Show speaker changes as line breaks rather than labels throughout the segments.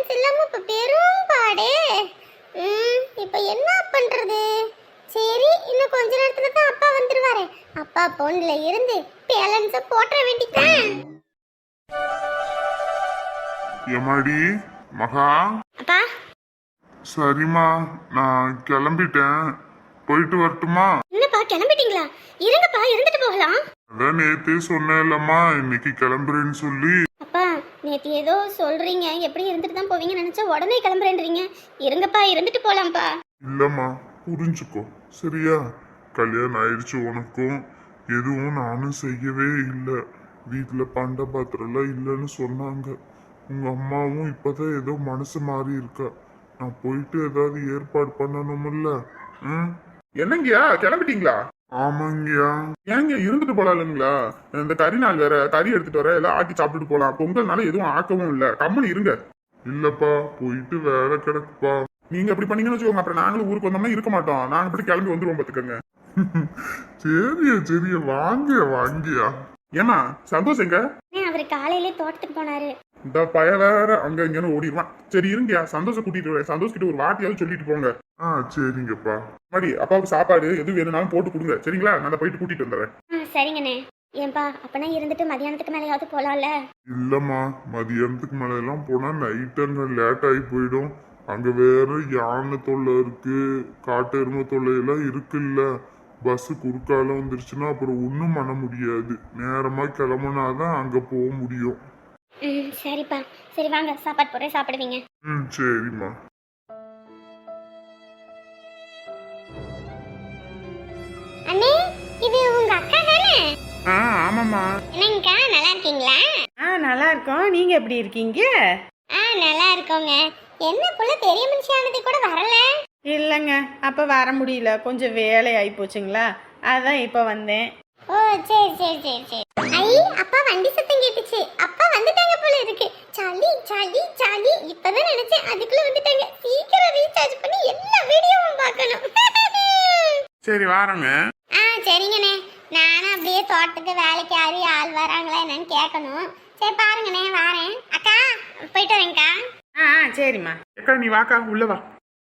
Balance இல்லாம இப்ப பெரும் பாடே. இப்ப என்ன பண்றது? சரி, இன்னும் கொஞ்ச நேரத்துல தான் அப்பா வந்துருவாரு. அப்பா போன்ல இருந்து பேலன்ஸ போட்ற வேண்டியதான்.
எமாடி மகா.
அப்பா.
சரிம்மா, நான் கிளம்பிட்டேன். போயிட்டு வரட்டுமா?
என்னப்பா கிளம்பிட்டீங்களா? இருங்கப்பா, இருந்துட்டு போகலாம்.
அதான் நேத்தே சொன்னேன்லம்மா, இன்னைக்கு கிளம்புறேன்னு சொல்லி.
அப்பா, நேத்து ஏதோ சொல்றீங்க, எப்படி இருந்துட்டு தான் போவீங்கன்னு நினைச்சா உடனே கிளம்புறேன்றீங்க. இருங்கப்பா, இருந்துட்டு போலாம்ப்பா.
இல்லம்மா, புரிஞ்சுக்கோ சரியா? கல்யாணம் ஆயிடுச்சு உனக்கும். எதுவும் நானும் செய்யவே இல்லை. வீட்டுல பண்ட பாத்திரம்லாம் இல்லைன்னு சொன்னாங்க. உங்க அம்மாவும் இப்பதான் ஏதோ மனசு மாறி இருக்கா. நான் போயிட்டு ஏதாவது ஏற்பாடு பண்ணணும்ல.
என்னங்கயா கிளம்பிட்டீங்களா?
ஆமாங்கயா.
ஏங்க இருந்துட்டு போலாம்ங்களா? இந்த கறி நாள் வேற, கறி எடுத்துட்டு வர எல்லாம் ஆக்கி சாப்பிட்டுட்டு போலாம். பொங்கல்னால எதுவும் ஆக்கவும் இல்ல, கம்மனு இருங்க.
இல்லப்பா, போயிட்டு வேலை கிடக்குப்பா.
நீங்க அப்படி பண்ணீங்கன்னு வச்சுக்கோங்க, அப்புறம் நாங்களும் ஊருக்கு வந்தோம்னா இருக்க மாட்டோம். நாங்க அப்படி கிளம்பி வந்துருவோம் பாத்துக்கோங்க.
சரியா சரியா, வாங்கியா வாங்கியா.
ஏமா சந்தோஷ் எங்க?
அவர் காலையிலே தோட்டத்துக்கு போனாரு.
இந்த பய வேற அங்க இங்கன்னு ஓடிடுவான். சரி இருங்கயா, சந்தோஷம் கூட்டிட்டு வரேன். சந்தோஷ் கிட்ட ஒரு வாட்டியாவது சொல்லிட்டு போங்க.
சரிங்கப்பா.
மாதிரி அப்பாவுக்கு சாப்பாடு எது வேணும்னாலும் போட்டு கொடுங்க சரிங்களா? நான் போயிட்டு கூட்டிட்டு வந்துடுறேன்.
சரிங்கண்ணே. ஏன்பா, அப்பனா இருந்துட்டு மதியானத்துக்கு மேலேயாவது போலாம்ல?
இல்லம்மா, மதியானத்துக்கு மேல எல்லாம் போனா நைட் அங்க லேட் ஆகி போயிடும். அங்க வேற யானை தொல்லை இருக்கு, காட்டு எருமை தொல்லை எல்லாம் இருக்குல்ல. பஸ் குறுக்கால வந்துருச்சுன்னா அப்புறம் ஒன்றும் பண்ண முடியாது. நேரமா கிளம்புனாதான் அங்க போக முடியும்.
சரிப்பா. சரி வாங்க, சாப்பாடு போறேன், சாப்பிடுவீங்க.
சரிம்மா.
அண்ணே, இது உங்க அக்கா தானே?
ஆமாம்மா.
என்னங்கக்கா, நல்லா இருக்கீங்களா?
நல்லா இருக்கோம். நீங்க எப்படி இருக்கீங்க?
நல்லா இருக்கோங்க. என்ன புள்ள பெரிய மனுஷியானது கூட வரல?
இல்லைங்க, அப்போ வர முடியல, கொஞ்சம் வேலை ஆகி போச்சுங்களா, அதான் இப்போ வந்தேன்.
ஓ சரி சரி சரி சரி. ஐ, அப்பா வண்டி சத்தம் கேட்டுச்சு. அப்பா வந்துட்டாங்க போல இருக்கு. சாலி சாலி சாலி, இப்பதான் நினைச்சேன் அதுக்குள்ள வந்துட்டாங்க. சீக்கிரம் ரீசார்ஜ் பண்ணி எல்லா வீடியோவும் பார்க்கணும்.
சரி வாரங்க.
சரிங்கண்ணே. நானும் அப்படியே தோட்டத்துக்கு வேலைக்கு யாரு ஆள் வராங்களா என்னன்னு கேட்கணும். சரி பாருங்கண்ணே, வாரேன். அக்கா போயிட்டு வரேன்க்கா.
சரிம்மா.
அக்கா நீ வாக்கா, உள்ள வா.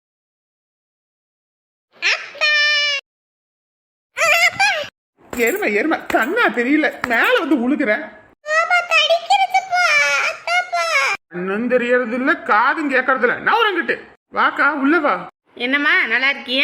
எருமை எருமை கண்ணா தெரியல, மேல வந்து உழுகுற. கண்ணும் தெரியறது இல்ல, காதும் கேட்கறது இல்ல. நவரங்கிட்டு வாக்கா, உள்ள வா.
என்னம்மா, நல்லா இருக்கியா?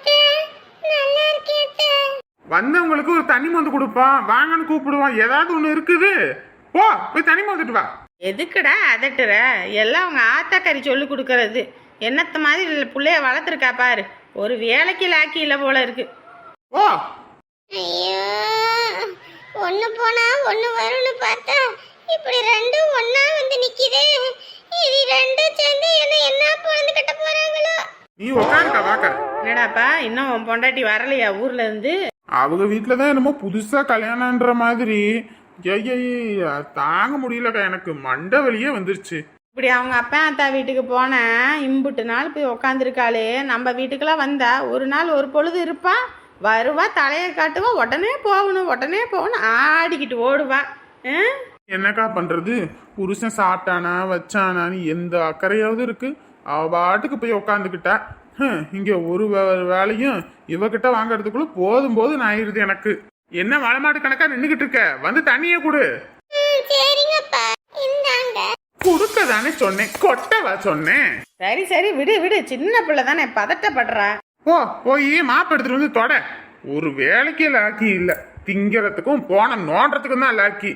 வந்தவங்களுக்கு ஒரு தண்ணி மந்து கொடுப்பான், வாங்கன்னு கூப்பிடுவான். ஏதாவது ஒண்ணு இருக்குது, போ போய் தண்ணி மந்துட்டு வா.
எதுக்குடா அதட்டுற? எல்லாம் அவங்க ஆத்தாக்கறி சொல்லி கொடுக்கறது. என்னத்த மாதிரி பிள்ளைய வளர்த்துருக்கா பாரு. ஒரு வேலைக்கு லாக்கி இல்லை போல இருக்கு.
ஓ
ஐயோ, ஒண்ணு போனா ஒண்ணு வரும்னு பார்த்தா இப்படி ரெண்டும் ஒண்ணா வந்து நிக்குது. இது ரெண்டும் சேர்ந்து என்ன பொழுது கட்ட போறாங்களோ?
நீ உட்காருக்கா, வாக்கா.
என்னடாப்பா, இன்னும் உன் பொண்டாட்டி வரலையா ஊர்ல இருந்து?
அவங்க வீட்டுலதான் என்னமோ புதுசா கல்யாணம்ன்ற மாதிரி. தாங்க முடியலக்கா, எனக்கு மண்டை வலியே வந்துருச்சு.
இப்படி அவங்க அப்பா அத்தா வீட்டுக்கு போன இம்புட்டு நாள் போய் உக்காந்துருக்காளே, நம்ம வீட்டுக்கெல்லாம் வந்தா ஒரு நாள் ஒரு பொழுது இருப்பான், வருவா, தலையை காட்டுவா, உடனே போகணும் ஆடிக்கிட்டு ஓடுவா.
என்னக்கா பண்றது? புருஷன் சாப்பிட்டானா வச்சானான்னு எந்த அக்கறையாவது இருக்கு? அவ பாட்டுக்கு போய் உக்காந்துக்கிட்டா. இங்க ஒரு வேலையும் இவகிட்ட வாங்கறதுக்குள்ள போதும் ஆயிடுது எனக்கு. என்ன வளமாடு கணக்கா நின்னுகிட்டு இருக்க? வந்து தண்ணிய குடு.
சரிங்கப்பா, இந்தாங்க.
குடுக்க தானே சொன்னேன், கொட்டவா சொன்னேன்.
சரி சரி, விடு, சின்ன பிள்ளை தானே, பதட்டப்படுறா.
போய் மாப்பு எடுத்துட்டு வந்து தொட. ஒரு வேலைக்கே லாக்கி இல்ல, திங்கிறதுக்கும் போன நோன்றதுக்கும் தான் லாக்கி.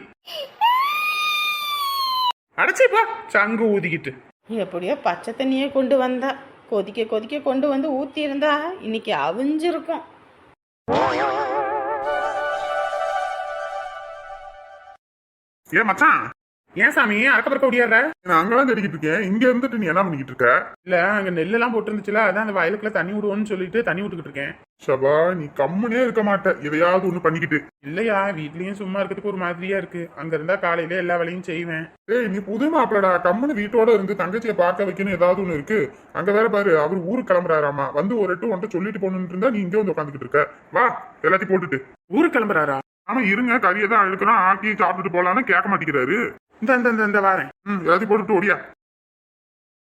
அடைச்சி போ, சங்கு ஊதிக்கிட்டு.
எப்படியோ பச்சை தண்ணியே கொண்டு வந்தா, கொதிக்க கொண்டு வந்து ஊத்தி இருந்தா இன்னைக்கு அவிஞ்சிருக்கும்.
ஏன் மச்சான், ஏன் சாமி அறக்கப்பறக்க முடியாத? நான் அங்கதான் தேடிக்கிட்டு இருக்கேன். இங்க இருந்துட்டு நீ என்ன பண்ணிக்கிட்டு இருக்க? இல்ல, அங்க நெல் எல்லாம் போட்டு இருந்துச்சுல, அதான் அந்த வயலுக்குள்ள தண்ணி விடுவோம்னு சொல்லிட்டு தண்ணி விட்டுக்கிட்டு இருக்கேன். சபா, நீ கம்முனே இருக்க மாட்ட, எதையாவது ஒண்ணு பண்ணிக்கிட்டு. இல்லையா, வீட்லயும் சும்மா இருக்கிறதுக்கு ஒரு மாதிரியா இருக்கு. அங்க இருந்தா காலையில எல்லா வேலையும் செய்வேன். ஏய், நீ புது மாப்பிளடா, கம்முன்னு வீட்டோட இருந்து தங்கச்சியை பார்க்க வைக்கணும் ஏதாவது ஒண்ணு இருக்கு. அங்க வேற பாரு, அவர் ஊருக்கு கிளம்புறாராமா. வந்து ஒரு எட்டு ஒன்றை சொல்லிட்டு போகணும்னு இருந்தா நீ இங்கே வந்து உட்காந்துக்கிட்டு இருக்க. வா, எல்லாத்தையும் போட்டுட்டு. ஊருக்கு கிளம்புறாரா? ஆமா, இருங்க, கறியை தான் அழுக்கணும், ஆக்கி சாப்பிட்டுட்டு போலான்னு கேட்க மாட்டேங்கிறாரு. இந்த வாரேன். எல்லாத்தையும் போட்டுட்டு ஓடியா.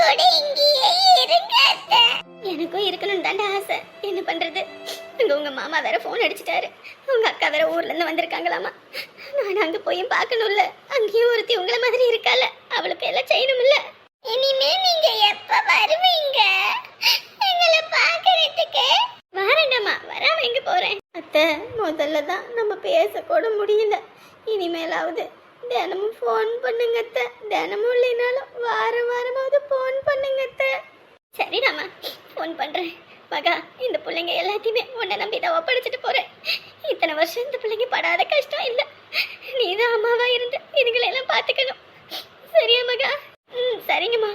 கூட இங்கேயே இருங்க அத்தை. எனக்கும் இருக்கணும்னு தாண்டா ஆசை. என்ன பண்றது, உங்க மாமா வேற போன் அடிச்சிட்டாரு. உங்க அக்கா வேற ஊர்ல இருந்து வந்திருக்காங்களாமா. நான் அங்க போய் பார்க்கணும்ல. அங்கேயும் ஒருத்தி உங்கள மாதிரி இருக்கால, அவளுக்கு எல்லாம் செய்யணும்ல. இனிமே நீங்க எப்ப வருவீங்க எங்களை பாக்குறதுக்கு? வரேன்டாமா, வராம எங்க போறேன் அத்தை. முதல்ல தான் நம்ம பேசக்கூட முடியல. இனிமேலாவது தினமும் ஃபோன் பண்ணுங்க அத்தை. தினமும் இல்லைனாலும் வாரமாவது ஃபோன் பண்ணுங்க அத்தை. சரிடாமா, ஃபோன் பண்றேன். மகா, இந்த பிள்ளைங்க எல்லாத்தையுமே உன்னை நம்பி தான் ஒப்படைச்சிட்டு போறேன். இத்தனை வருஷம் இந்த பிள்ளைங்க படாத கஷ்டம் இல்லை. நீ தான் அம்மாவா இருந்து இதுங்களை எல்லாம் பார்த்துக்கணும். சரியா மகா? சரிங்கம்மா.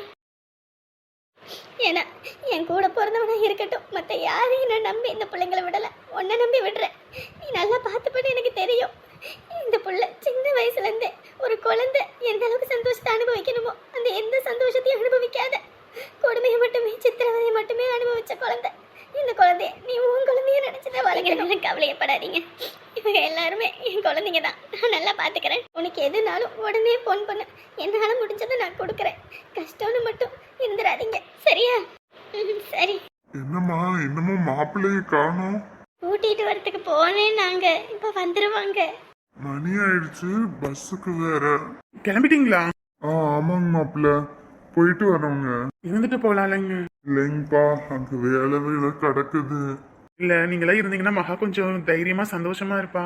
ஏன்னா என் கூட பிறந்தவனா இருக்கட்டும், மற்ற யாரையும் நான் நம்பி இந்த பிள்ளைங்களை விடலை. உன்னை நம்பி விடுறேன். நீ நல்லா பார்த்துப்பன்னு எனக்கு தெரியும். இந்த புள்ள சின்ன வயசுலேருந்தே ஒரு குழந்தை எந்த அளவுக்கு சந்தோஷத்தை அனுபவிக்கணுமோ அந்த எந்த சந்தோஷத்தையும் அனுபவிக்காத, கொடுமையை மட்டுமே சித்திரவதையை மட்டுமே அனுபவிச்ச குழந்தை. இந்த குழந்தைய நீ உன் குழந்தைய நினைச்சதை வளர்க்கணும். கவலையப்படாதீங்க, இவங்க எல்லாருமே என் குழந்தைங்க தான். நான் நல்லா பார்த்துக்கிறேன். உனக்கு எதுனாலும் உடனே ஃபோன் பண்ணு. என்னால் முடிஞ்சதை நான் கொடுக்குறேன். கஷ்டம்னு மட்டும் இருந்துடாதீங்க, சரியா? சரி.
என்னம்மா இன்னமும் மாப்பிள்ளையை காணோம்?
கூட்டிட்டு வரத்துக்கு போனேன் நாங்க. இப்ப வந்துருவாங்க.
மணி ஆயிடுச்சு, பஸ்ஸுக்கு வேற.
கிளம்பிட்டீங்களா?
ஆமாங்க மாப்பிள்ள, போயிட்டு வரோங்க.
இருந்துட்டு போலாம்லங்க.
இல்லைங்கப்பா, அங்க வேலை கிடக்குது.
இல்ல நீங்களா இருந்தீங்கன்னா மகா கொஞ்சம் தைரியமா சந்தோஷமா இருப்பா.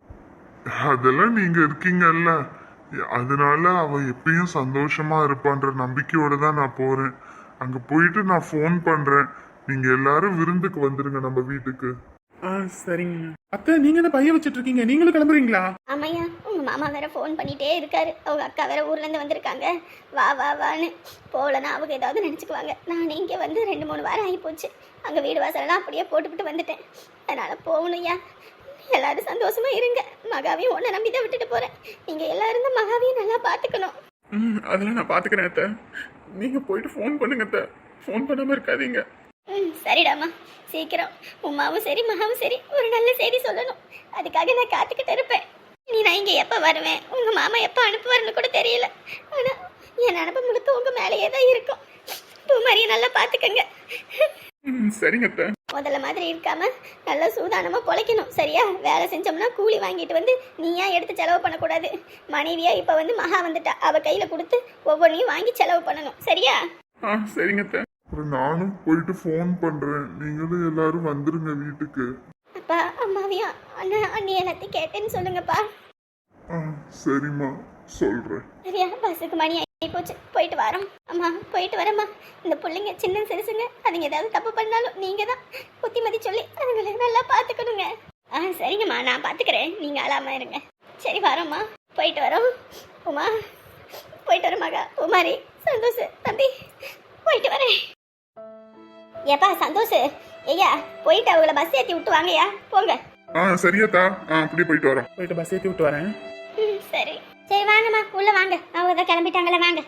அதெல்லாம் நீங்க இருக்கீங்கல்ல, அதனால அவ எப்பயும் சந்தோஷமா இருப்பான்ற நம்பிக்கையோட தான் நான் போறேன். அங்க போயிட்டு நான் ஃபோன் பண்றேன். நீங்க எல்லாரும் விருந்துக்கு வந்துருங்க நம்ம வீட்டுக்கு.
சரிங்க. அத்தை, நீங்க என்ன பைய வச்சிட்டு இருக்கீங்க? நீங்களும் கிளம்புறீங்களா?
ஆமையா, உங்க மாமா வேற ஃபோன் பண்ணிட்டே இருக்காரு. அவங்க அக்கா வேற ஊர்ல இருந்து வந்திருக்காங்க. வா வா வான்னு. போலன்னா அவங்க ஏதாவது நினைச்சுக்குவாங்க. நான் இங்க வந்து 2-3 வாரம் ஆகி போச்சு. அங்க வீடு வாசலெல்லாம் அப்படியே போட்டுவிட்டு வந்துட்டேன். அதனால போகணும்யா. எல்லாரும் சந்தோஷமா இருங்க. மகாவையும் உன்னை நம்பி தான் விட்டுட்டு போறேன். நீங்க எல்லாரும் தான் மகாவையும் நல்லா பாத்துக்கணும்.
அதெல்லாம் நான் பாத்துக்கிறேன் அத்தை. நீங்க போயிட்டு ஃபோன் பண்ணுங்க அத்தை. ஃபோன் பண்ணாம இருக்காதீங்க.
சரிடாமா, சீக்கிரம் உமாவும் சரி மகாவும் சரி ஒரு நல்ல செய்தி சொல்லணும். அதுக்காக நான் காத்துக்கிட்டு இருப்பேன். நீ நான் இங்கே எப்போ வருவேன், உங்க மாமா எப்போ அனுப்புவார்னு கூட தெரியல. ஆனா என் நினப்பு முழுக்க உங்க மேலேயே தான் இருக்கும். பூமாரியை நல்லா பார்த்துக்கங்க.
சரிங்க அத்தை.
முதல்ல மாதிரி இருக்காம நல்லா சூதானமா பொழைக்கணும், சரியா? வேலை செஞ்சோம்னா கூலி வாங்கிட்டு வந்து நீயா எடுத்து செலவு பண்ணக்கூடாது. மனைவியா இப்ப வந்து மகா வந்துட்டா, அவ கையில கொடுத்து ஒவ்வொன்றையும் வாங்கி செலவு பண்ணணும், சரியா?
சரிங்க அத்தை.
அப்புறம் நானும் போயிட்டு ஃபோன் பண்றேன். நீங்களும் எல்லாரும் வந்துருங்க வீட்டுக்கு.
அப்பா அம்மாவையும் அண்ணா அண்ணி எல்லாத்தையும் கேட்டேன்னு சொல்லுங்கப்பா.
சரிம்மா, சொல்றேன்.
சரியா? பஸ்ஸுக்கு மணி ஆகி போச்சு, போயிட்டு வரோம். அம்மா போயிட்டு வரேம்மா. இந்த பிள்ளைங்க சின்ன சிறுசுங்க, அதுங்க ஏதாவது தப்பு பண்ணாலும் நீங்க தான் புத்திமதி சொல்லி அதுங்களை நல்லா பார்த்துக்கணுங்க. சரிங்கம்மா, நான் பார்த்துக்கிறேன். நீங்க அழாம இருங்க. சரி வரோம்மா, போயிட்டு வரோம். உமா போயிட்டு வரோம். மகா, உமாரி, சந்தோஷ், தம்பி போயிட்டு வரேன். ஏப்பா சந்தோஷ், ஐயா போயிட்டு அவங்கள பஸ் ஏற்றி விட்டு வாங்கய்யா, போங்க.
சரியாத்தா, அப்படியே போயிட்டு வரோம்.
போயிட்டு பஸ் ஏற்றி விட்டு வரேன்.
சரி சரி, வாங்கம்மா உள்ள வாங்க. அவங்க தான் கிளம்பிட்டாங்களே, வாங்க.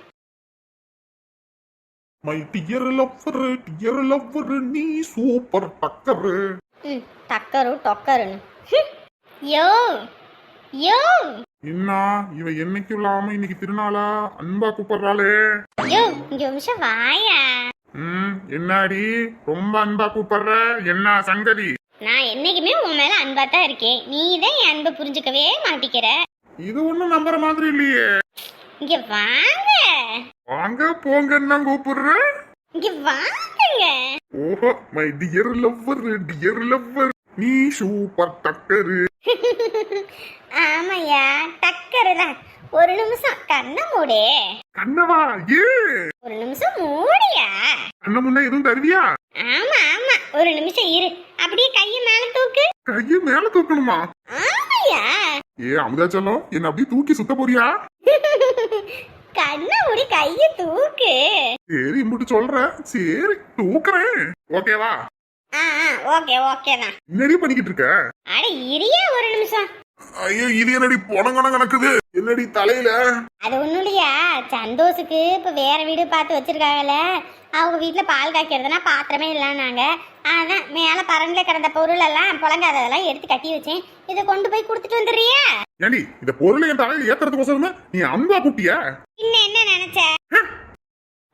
மை டியர் லவ்வர் நீ சூப்பர் டக்கர்.
டக்கரு டொக்கருன்னு. யோ யோ
என்ன இவ என்னைக்கு இல்லாம இன்னைக்கு திருநாளா அன்பா கூப்பிடுறாளே.
யோ இங்க ஒரு நிமிஷம் வாயா.
என்னாடி ரொம்ப அன்பா கூப்பிடுற, என்ன சங்கதி?
நான் என்னைக்குமே உன் மேல அன்பா தான் இருக்கேன். நீ தான் என் அன்பை புரிஞ்சுக்கவே மாட்டிக்கிற.
இது ஒண்ணும் நம்புற மாதிரி இல்லையே.
இங்க வாங்க.
வாங்க போங்கன்னு தான் கூப்பிடுற.
இங்க வாங்குங்க.
ஓஹோ, மை டியர் லவ்வர் நீ சூப்பர் டக்கரு.
ஆமாயா, டக்கரு தான். ஒரு நிமிஷம் கண்ணை மூடு.
கண்ணவா? ஏ
ஒரு நிமிஷம் மூடியா.
கண்ண முன்ன எதுவும் தருவியா?
ஆமா ஆமா, ஒரு நிமிஷம் இரு. அப்படியே கையை மேல தூக்கு.
கையை மேல தூக்கணுமா?
ஆமாயா.
ஏ அமுதாச்சலம், என்ன அப்படியே தூக்கி சுத்த போறியா?
கண்ணை மூடி கையை தூக்கு.
சரி இம்புட்டு சொல்றேன், சரி தூக்குறேன். ஓகேவா?
ஓகே ஓகே தான்.
என்னடி பண்ணிக்கிட்டு இருக்க?
அட இரியா ஒரு நிமிஷம்.
ஐயோ, இது என்னடி பொணங்கணம் கணக்குது? என்னடி தலையில?
அது ஒண்ணும் இல்லையா, சந்தோஷுக்கு இப்ப வேற வீடு பார்த்து வச்சிருக்காங்கல்ல, அவங்க வீட்டுல பால் காய்க்கிறதுனா பாத்திரமே இல்லைன்னாங்க. அதான் மேல பரண்ல கிடந்த பொருள் எல்லாம் புழங்காததெல்லாம் எடுத்து கட்டி வச்சேன். இதை கொண்டு போய் கொடுத்துட்டு வந்துடுறியா?
ஏண்டி இந்த பொருளை என் தலையில ஏத்துறதுக்கோசரமா நீ அன்பா கூட்டியா?
இன்னும் என்ன நினைச்ச?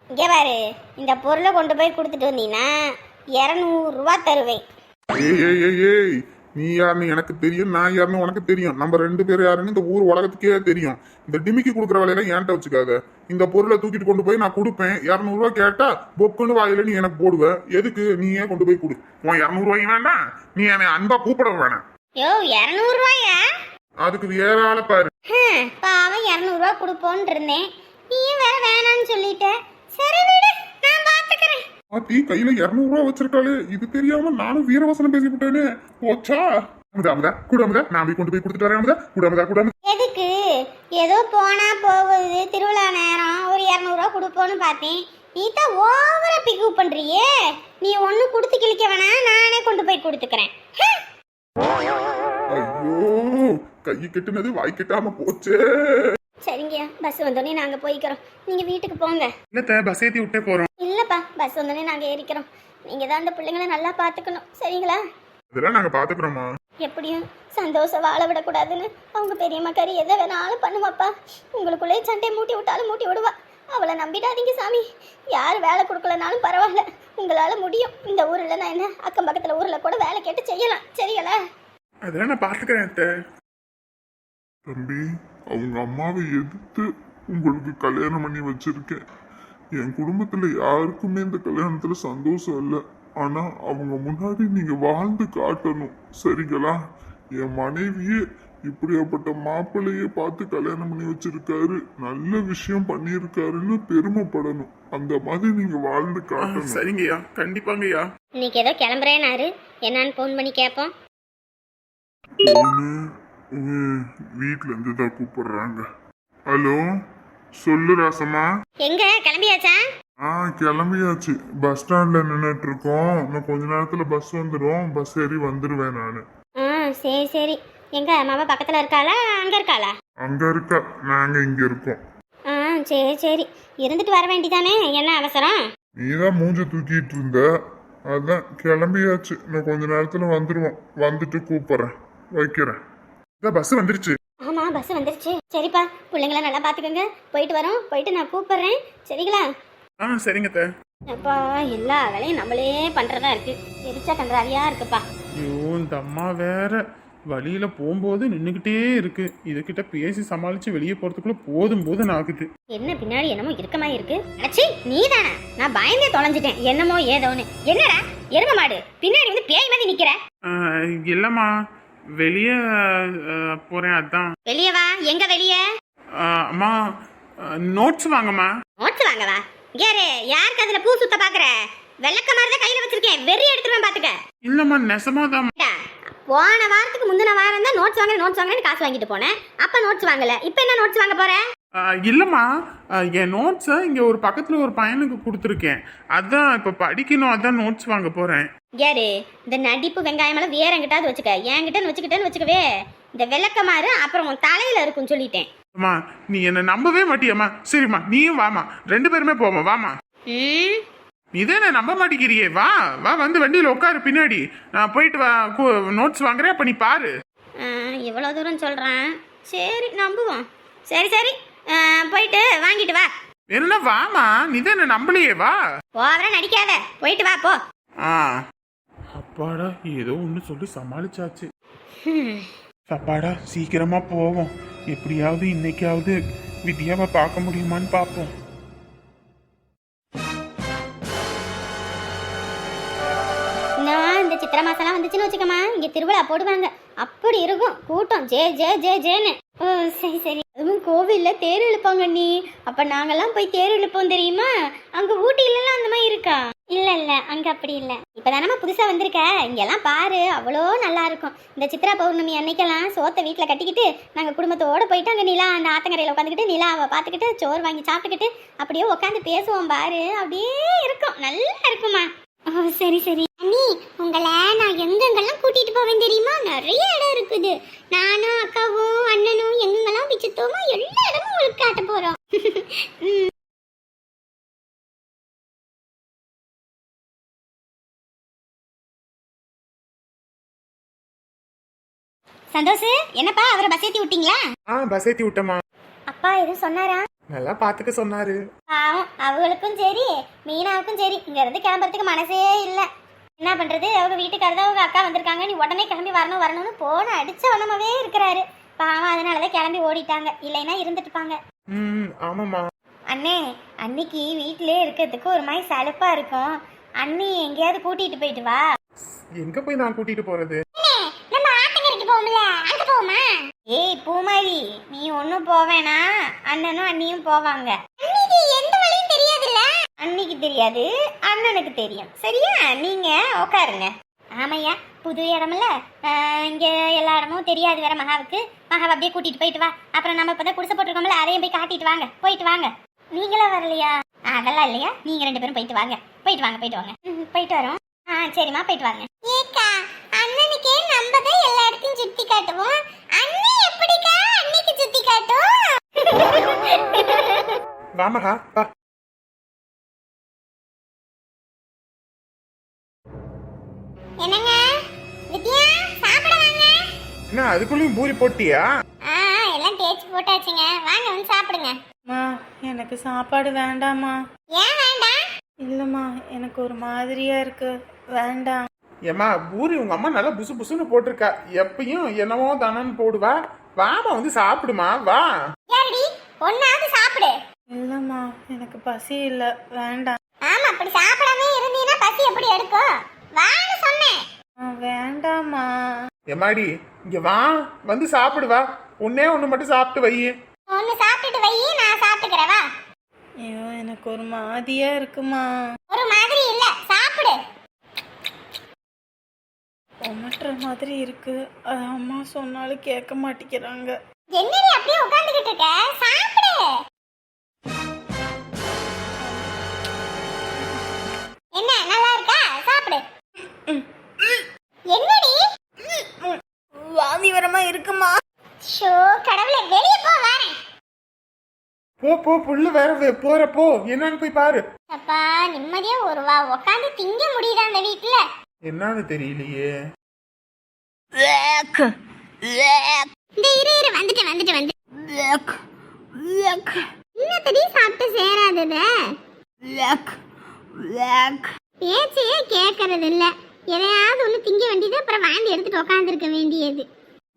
இங்கே பாரு, இந்த பொருளை கொண்டு போய் கொடுத்துட்டு வந்தீங்கன்னா 200 ரூபா தருவேன்.
ஏய் ஏய் ஏய் ஏய் நீ யாருன்னு எனக்கு தெரியும், நான் யாருன்னு உனக்கு தெரியும். நம்ம 2 பேரும் யாருன்னு இந்த ஊர் உலகத்துக்கே தெரியும். இந்த டிமிக்கி கொடுக்குற வேலையெல்லாம் ஏன்ட்ட வச்சுக்காத. இந்த பொருளை தூக்கிட்டு கொண்டு போய் நான் கொடுப்பேன். 200 ரூபா கேட்டா பொக்குன்னு வாயில நீ எனக்கு போடுவ. எதுக்கு? நீ ஏன் கொண்டு போய் கொடு. உன் 200 ரூபாய்க்கு வேண்டாம், நீ என்னை அன்பா கூப்பிட வேணாம்.
யோ 200 ரூபாயா?
அதுக்கு வேற ஆளை பாரு.
பாவம் 200 ரூபா கொடுப்போன்னு இருந்தேன், நீயும் வேற வேணான்னு சொல்லிட்ட. சரி விடு, நான் பாத்துக்கிறேன்.
ஆத்தி கையில 200 ரூபா வச்சிருக்காளே, இது தெரியாம நானும் வீரவசனம் பேசிவிட்டேனே. போச்சா? அமுதா கூட அமுதா, நான் போய் கொண்டு போய் கொடுத்துட்டு வரேன். அமுதா கூட அமுதா.
எதுக்கு? ஏதோ போனா போகுது, திருவிழா நேரம், ஒரு 200 ரூபா கொடுப்போன்னு பார்த்தேன். நீ தான் ஓவரா பிக்கப் பண்றியே. நீ ஒண்ணு கொடுத்து கிழிக்க வேணாம், நானே கொண்டு போய் கொடுத்துக்கிறேன்.
ஐயோ கை கெட்டுனது வாய் கெட்டாம போச்சே.
சரிங்கய்யா, பஸ் வந்தோடனே நாங்க போய்க்கிறோம், நீங்க வீட்டுக்கு போங்க.
இல்ல பஸ் ஏத்தி விட்டே போறோம்.
இல்லப்பா, பஸ் வந்தோடனே நாங்க ஏறிக்கிறோம். நீங்க தான் அந்த பிள்ளைங்களை நல்லா பாத்துக்கணும், சரிங்களா?
இதெல்லாம் நாங்க பாத்துக்கிறோமா.
எப்படியும் சந்தோஷம் வாழ விடக்கூடாதுன்னு அவங்க பெரியம்மா கறி எதை வேணாலும் பண்ணுவாப்பா. உங்களுக்குள்ளே சண்டை மூட்டி விட்டாலும் மூட்டி விடுவா. அவளை நம்பிடாதீங்க சாமி. யார் வேலை கொடுக்கலனாலும் பரவாயில்ல, உங்களால முடியும். இந்த ஊர்ல நான் என்ன, அக்கம் பக்கத்துல ஊர்ல கூட வேலை கேட்டு செய்யலாம், சரிங்களா?
அதெல்லாம் நான் பாத்துக்கிறேன்.
தம்பி, அவங்க அம்மாவை எதிர்த்து உங்களுக்கு கல்யாணம் பண்ணி வச்சிருக்கேன். என் குடும்பத்துல யாருக்குமே இந்த கல்யாணத்துல சந்தோஷம் இல்லை. ஆனா அவங்க முன்னாடி நீங்க வாழ்ந்து காட்டணும், சரிங்களா? என் மனைவியே இப்படியாப்பட்ட மாப்பிள்ளையே பார்த்து கல்யாணம் பண்ணி வச்சிருக்காரு, நல்ல விஷயம் பண்ணியிருக்காருன்னு பெருமைப்படணும். அந்த மாதிரி நீங்க வாழ்ந்து காட்டணும்.
சரிங்கய்யா, கண்டிப்பாங்கய்யா.
இன்னைக்கு ஏதோ கிளம்புறேனாரு, என்னன்னு போன் பண்ணி கேட்போம்.
வீட்டுல இருந்து தான் கூப்பிடுறாங்க. ஹலோ, சொல்லு ராசம்மா.
எங்க கிளம்பியாச்சா?
கிளம்பியாச்சு. பஸ் ஸ்டாண்ட்ல நின்னுட்டு இருக்கோம். இன்னும் கொஞ்ச நேரத்துல பஸ் வந்துடும். பஸ் ஏறி வந்துருவேன் நானு.
சரி சரி. எங்க மாமா பக்கத்துல இருக்காளா, அங்க இருக்காளா?
அங்க இருக்கா, நாங்க இங்க இருக்கோம்.
சரி சரி, இருந்துட்டு வர வேண்டிதானே, என்ன அவசரம்?
நீதான் மூஞ்ச தூக்கிட்டு இருந்த, அதான் கிளம்பியாச்சு. இன்னும் கொஞ்ச நேரத்துல வந்துருவோம். வந்துட்டு கூப்பிடுறேன், வைக்கிறேன்.
பஸ் வந்துருச்சு.
ஆமா, பஸ் வந்துருச்சு. சரிப்பா, பிள்ளைங்கள நல்லா பாத்துக்கோங்க. போயிட்டு வரோம், போயிட்டு நான் கூப்பிடுறேன், சரிங்களா?
சரிங்க.
அப்பா, எல்லா வேலையும் நம்மளே பண்றதா இருக்கு. எரிச்சா கன்றாவியா இருக்குப்பா.
ஐயோ, இந்த அம்மா வேற வழியில போகும்போது நின்னுகிட்டே இருக்கு. இதுகிட்ட பேசி சமாளிச்சு வெளியே போறதுக்குள்ள போதும் ஆகுது.
என்ன பின்னாடி என்னமோ இருக்கமா இருக்கு? அடச்சி, நீதானா? நான் பயந்தே தொலைஞ்சிட்டேன், என்னமோ ஏதோன்னு. என்னடா எரும மாடு பின்னாடி வந்து பேய் மாதிரி நிக்கிற?
இல்லம்மா, வெளியே போறேன், அதான்.
வெளியே வா. எங்க வெளியே?
அம்மா, நோட்ஸ் வாங்கம்மா.
நோட்ஸ் வாங்கவா? யாரு? யாருக்கு அதுல பூ சுத்த பாக்குற? வெள்ளக்க மாதிரி தான் கையில வச்சிருக்கேன், வெறி எடுத்துருவேன் பாத்துக்க.
இல்லம்மா, நெசமாதான்.
போன வாரத்துக்கு முந்தின வாரம் தான் நோட்ஸ் வாங்குறேன்னு காசு வாங்கிட்டு போனேன். அப்ப நோட்ஸ் வாங்கல, இப்ப என்ன நோட்ஸ் வாங்க போற?
இல்லம்மா, என் நோட்ஸை இங்க ஒரு பக்கத்துல ஒரு பையனுக்கு கொடுத்துருக்கேன், அதான் இப்ப படிக்கணும், அதான் நோட்ஸ் வாங்க போறேன்.
யாரு? இந்த நடிப்பு வெங்காயம் எல்லாம் வேற என்கிட்ட வச்சுக்க, என்கிட்ட வச்சுக்கிட்டேன்னு இந்த விளக்கமாறு அப்புறம் உன் தலையில இருக்குன்னு சொல்லிட்டேன்.
அம்மா, நீ என்ன நம்பவே மாட்டியம்மா. சரிம்மா, நீயும் வாமா, 2 பேருமே போமா, வாமா. இதே நான் நம்ப மாட்டேங்கிறியே, வா வா, வந்து வண்டியில உட்காரு பின்னாடி. நான் போயிட்டு வா, நோட்ஸ் வாங்குறேன், அப்ப நீ பாரு.
இவ்வளவு தூரம் சொல்றேன், சரி நம்புவோம். சரி சரி, போயிட்டு வாங்கிட்டு வா.
என்ன வாமா, நீ தான் என்ன நம்பலையே, வா.
ஓவரா நடிக்காத, போயிட்டு வா போ.
அப்பாடா, ஏதோ ஒண்ணு சொல்லி சமாளிச்சாச்சு. அப்பாடா, சீக்கிரமா போவோம். எப்படியாவது இன்னைக்காவது வித்யாவை பார்க்க முடியுமான்னு பார்ப்போம்.
இந்த சித்திரை மாசம்லாம் வந்துச்சுன்னு வச்சுக்கமா, இங்க திருவிழா போடுவாங்க, அப்படி இருக்கும் கூட்டம். ஜே ஜே ஜே ஜேன்னு. ஓ சரி சரி. அதுவும் கோவில்ல தேர் இழுப்பாங்க நீ. அப்ப நாங்கெல்லாம் போய் தேர் இழுப்போம் தெரியுமா? அங்க ஊட்டியிலலாம் அந்த மாதிரி இருக்கா? இல்ல இல்ல, அங்க அப்படி இல்ல. இப்பதானமா புதுசா வந்திருக்க, இங்கெல்லாம் பாரு, அவ்வளோ நல்லா இருக்கும். இந்த சித்ரா பௌர்ணமி அன்னைக்கெல்லாம் சோத்தை வீட்டுல கட்டிக்கிட்டு நாங்க குடும்பத்தோட போயிட்டு அங்க நிலா அந்த ஆத்தங்கரையில உட்காந்துக்கிட்டு நிலாவை பார்த்துக்கிட்டு சோறு வாங்கி சாப்பிட்டுக்கிட்டு அப்படியே உட்காந்து பேசுவோம் பாரு, அப்படியே இருக்கும், நல்லா இருக்குமா. ஓ சரி சரி. அண்ணி, உங்களை நான் எங்கெங்கெல்லாம் கூட்டிட்டு போவேன் தெரியுமா? நிறைய இடம் இருக்குது. நானும் அக்காவும் அண்ணனும் எங்கெங்கெல்லாம் பிச்சுத்தோமோ எல்லா இடமும் உங்களுக்கு காட்ட போறோம். சந்தோஷ், என்னப்பா அவரை பஸ் ஏத்தி விட்டீங்களா?
பஸ் ஏத்தி விட்டமா.
அப்பா எதுவும் சொன்னாரா?
நல்லா பாத்துக்க சொன்னாரு.
பாவம் அவங்களுக்கும் சரி மீனாவுக்கும் சரி இங்க இருந்து கிளம்புறதுக்கு மனசே இல்ல. என்ன பண்றது, அவங்க வீட்டுக்காரர் தான் அவங்க அக்கா வந்திருக்காங்க, நீ உடனே கிளம்பி வரணும் வரணும்னு போன அடிச்ச உடனே இருக்கிறாரு. பாவம் அதனாலதான் கிளம்பி ஓடிட்டாங்க, இல்லைன்னா இருந்துட்டுப்பாங்க.
ஆமாம்மா.
அண்ணே அன்னைக்கு வீட்டிலே இருக்கிறதுக்கு ஒரு மாதிரி சலுப்பா இருக்கும், அண்ணி எங்கேயாவது கூட்டிட்டு போயிட்டு வா.
எங்க போய் நான் கூட்டிட்டு போறது?
நம்ம ஆத்தங்கரைக்கு போவோம்ல, அங்க போவோமா? ஏய் பூமாரி, நீ ஒன்னும் போவேனா, அண்ணனும் அண்ணியும் போவாங்க. அன்னிக்கு எந்த வழியும் தெரியாதுல்ல? அன்னிக்கு தெரியாது, அண்ணனுக்கு தெரியும். சரியா, நீங்க உட்காருங்க. ஆமையா, புது இடம்ல, இங்க எல்லா இடமும் தெரியாது வேற மகாவுக்கு. மகாவை அப்படியே கூட்டிட்டு போயிட்டு வா. அப்புறம் நம்ம இப்பதான் குடிசை போட்டிருக்கோம்ல, அதையும் போய் காட்டிட்டு வாங்க. போயிட்டு வாங்க. நீங்களும் வரலையா? அதெல்லாம் இல்லையா, நீங்க 2 பேரும் போயிட்டு வாங்க. போயிட்டு வாங்க போயிட்டு வாங்க. போயிட்டு வரோம். சரிம்மா போயிட்டு வாங்க. ஏக்கா அண்ணனுக்கே நம்ம தான் எல்லா இடத்தையும் சுத்தி காட்டுவோம், அண்ணன் எப்படிக்கா அன்னைக்கு சுத்தி காட்டும்?
வாமகா வா.
என்னங்க வித்யா, சாப்பிட வாங்க.
என்ன அதுக்குள்ளயும் பூரி போட்டியா?
எல்லாம் தேய்ச்சி போட்டாச்சுங்க, வாங்க வந்து சாப்பிடுங்க.
அம்மா எனக்கு சாப்பாடு வேண்டாம்மா.
ஏன் வேண்டாம்?
இல்லைம்மா எனக்கு ஒரு மாதிரியா இருக்கு, வேண்டாம்.
ஏம்மா பூரி உங்க அம்மா நல்லா புசு புசுன்னு போட்டிருக்கா, எப்பயும் என்னவோ தானன்னு போடுவா. வாமா வந்து சாப்பிடுமா, வா.
யாரடி ஒன்னாவது சாப்பிடு.
இல்லைம்மா எனக்கு பசி இல்லை, வேண்டாம்.
ஆமா, அப்படி சாப்பிடாம இருந்தீங்கன்னா பசி எப்படி எடுக்கும்? வான்னு சொன்னேன்.
வேண்டாம்மா.
எம்மாடி இங்க வா, வந்து சாப்பிடு வா. ஒன்னே ஒண்ணு மட்டும் சாப்பிட்டு வை.
ஒன்னு சாப்பிட்டுட்டு வை, நான் சாப்பிட்டுக்கிறேன் வா.
ஐயோ எனக்கு ஒரு மாதிரியா இருக்குமா.
ஒரு மாதிரி இல்ல, சாப்பிடு.
ஒமட்டுற மாதிரி இருக்கு, அது அம்மா சொன்னாலும் கேட்க மாட்டேங்கிறாங்க.
என்னடி அப்படியே உட்கார்ந்துகிட்டு இருக்க, சாப்பிடு. என்ன நல்லா இருக்கா, சாப்பிடு. என்னடி
வாந்தி வரமா இருக்குமா.
ஷோ கடவுளே, வெளிய போ வரேன்.
போ போ, புல்லு வேற போற போ, என்னன்னு போய் பாரு.
அப்பா நிம்மதியா ஒரு வா உட்காந்து திங்க முடியுதா அந்த வீட்டுல?
என்னன்னு தெரியலையே.
இந்த இரு வந்துட்டு இன்னத்தடி சாப்பிட்டு சேராதத பேச்சையே கேட்கறது இல்ல. எதையாவது ஒண்ணு திங்க வேண்டியது, அப்புறம் வாந்தி எடுத்துட்டு உட்காந்துருக்க வேண்டியது.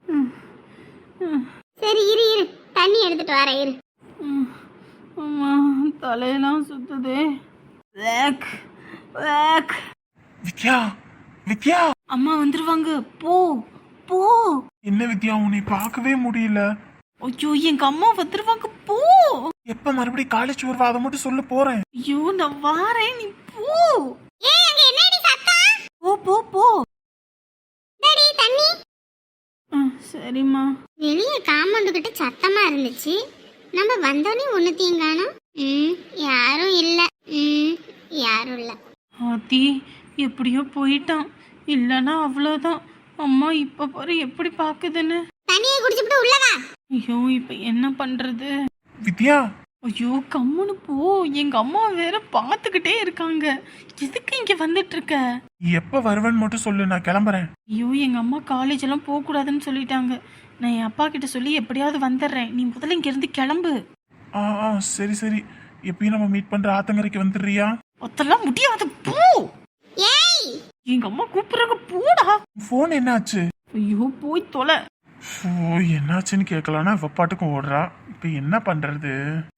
சரி இரு தண்ணி எடுத்துட்டு வர இரு.
அம்மா தலையெல்லாம் சுத்துதே.
வித்யா வித்யா,
அம்மா வந்துருவாங்க, போ போ.
என்ன வித்யா உன்னை பார்க்கவே முடியல.
ஐயோ எங்க அம்மா வந்துருவாங்க, போ.
எப்ப மறுபடியும் காலேஜ் வருவா அதை மட்டும் சொல்ல போறேன்.
ஐயோ நான் வாரேன், நீ போ.
ஏய் அங்க என்னடி சத்தம்?
போ போ போ.
டேடி தண்ணி.
சரிம்மா.
வெளிய காம்பவுண்ட் கிட்ட சத்தமா இருந்துச்சு, நம்ம வந்தோடனே ஒண்ணுத்தையும் காணோம். யாரும் இல்ல. யாரும் இல்ல.
ஆத்தி எப்படியோ போயிட்டான், இல்லனா அவ்வளவுதான். அம்மா இப்ப பாரு எப்படி பாக்குதுன்னு.
தண்ணியை குடிச்சுட்டு உள்ளவா.
ஐயோ இப்ப என்ன பண்றது?
வித்யா
ஐயோ கம்முன்னு போ, எங்க அம்மா வேற பாத்துக்கிட்டே இருக்காங்க. எதுக்கு இங்க வந்துட்டு இருக்க?
எப்ப வருவேன்னு மட்டும் சொல்லு, நான் கிளம்புறேன்.
ஐயோ எங்க அம்மா காலேஜ் எல்லாம் போக கூடாதுன்னு சொல்லிட்டாங்க. நான் என் அப்பா கிட்ட சொல்லி எப்படியாவது வந்துடுறேன், நீ முதல்ல இங்க இருந்து கிளம்பு.
சரி சரி, எப்பயும் நம்ம மீட் பண்ற ஆத்தங்கரைக்கு வந்துடுறியா?
அதெல்லாம் முடியாது, போ.
ஏய்
எங்க அம்மா கூப்பிடுறாங்க, போடா.
போன் என்னாச்சு?
ஐயோ போய் தொலை.
என்னாச்சுன்னு கேட்கலான்னா இவ பாட்டுக்கும் ஓடுறா. இப்ப என்ன பண்றது?